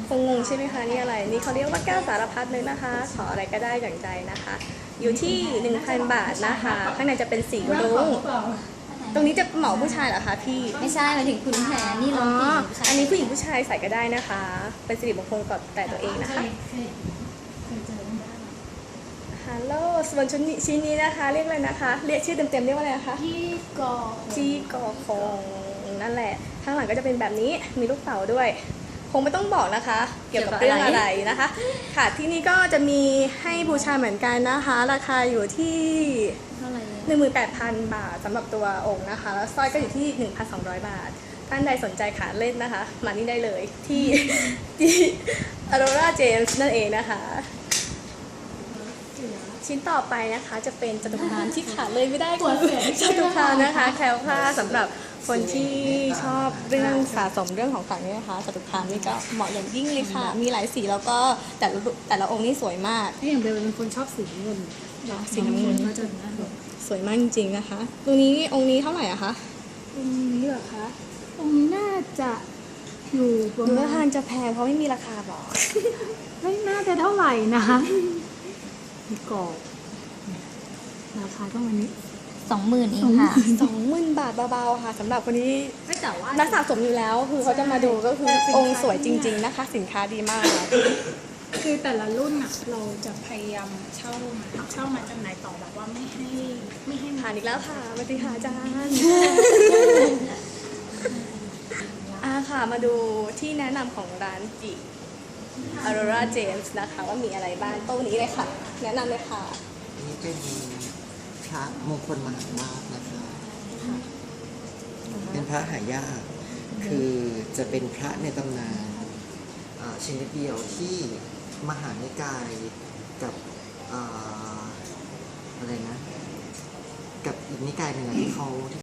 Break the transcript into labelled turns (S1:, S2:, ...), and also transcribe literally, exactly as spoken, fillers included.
S1: คงงงใช่ไหมคะนี่อะไรนี่เขาเรียกว่าแก้วสารพัดเลยนะคะขออะไรก็ได้อย่างใจนะคะ อยู่ที่ หนึ่งพัน บาทนะคะข้างในจะเป็นสีรุ้งตรงนี้จะเหมาะผู้ชายเหรอคะพี่
S2: ไม่ใช่หมายถึงคุณแผนนี่
S1: อ๋
S2: เรา
S1: อ
S2: ผู้ชาย
S1: อันนี้ผู้หญิงผู้ชายใส่ก็ได้นะคะ เป็นสิริมงคลกับแต่ตัวเองนะคะฮัลโหลส่วนชุดนี้ชิ้นนี้นะคะ เรียกอะไรนะคะ เรียกชื่อเต็มๆเรียกว่าอะไรนะคะ
S2: ที่กอ
S1: จีกอคงนั่นแหละข้างหลังก็จะเป็นแบบนี้มีลูกเต๋าด้วย คงไม่ต้องบอกนะคะ เกี่ยวกับเรื่องอะไรนะคะ ค่ะที่นี่ก็จะมีให้บูชาเหมือนกันนะคะ ราคาอยู่ที่
S2: เท่าไหร่
S1: หนึ่งหมื่นแปดพัน บาทสำหรับตัวองค์นะคะ แล้วสร้อยก็อยู่ที่ หนึ่งพันสองร้อย บาท ท่านใดสนใจขาเล่นนะคะ มานี่ได้เลยที่ ที่ Aurora James นั่นเองนะคะ ชิ้นต่อไปนะคะจะเป็นจตุคามที่ขาดเลยไม่ได้คือจตุคามนะคะแคล้วคลาดสำหรับคนที่ชอบเรื่องสะสมเรื่องของขลังนี่นะคะจตุคามนี่ก็เหมาะอย่างยิ่งเลยค่ะ มีหลายสีแล้วก็แต่ละแต่ละองค์นี่สวยมาก
S3: ถ้าอย่างเบลเป็นคนชอบสีน้ำเงิน
S1: สีน้ำเงิน
S3: ก็จะน่าดู
S1: สวยมากจริงๆนะคะตรงนี้องค์นี้เท่าไหร่อะคะ
S3: ตรงนี้เหรอคะตรงนี้น่าจะอยู่ประ
S1: ดู
S3: มา
S1: ว่า
S3: ณ
S1: ทางจะแพงเพราะไม่มีราคาบอก
S3: ไม่น่าจะเท่าไหร่นะคะมีกรอบราคาต้องวันนี้
S2: สองหมื่นเองค่ะ
S1: สองหมื่นบาทเบาๆค่ะสำหรับคนที่
S3: ไม่แต่ว่า
S1: นักสะสมอยู่แล้วคือเขาจะมาดูก็คือองค์สวยจริง ๆนะคะ สินค้าดีมาก
S3: คือแต่ละรุ่นอ่ะเราจะพยายามเช่ามาเช่ามาจำหน่ายต่อแบบว่าไม่ให้ไม่ให้
S1: ผ่านอีกแล้วค่ะมาติหาอาจารย์ อ่าค่ะมาดูที่แนะนำของร้านจิ Aurora James นะคะว่ามีอะไรบ้างโต๊ะนี้เลยค่ะ แนะนำเลยค่ะ
S4: นี่เป็นพระมงคลมหาราชนะคะ เป็นพระหายาก คือจะเป็นพระในตำนานอ่าชนิดเดียวที่มหานิกายกับอ่าอะไรนะ กับอีกนิกายหนึ่งอะที่เขา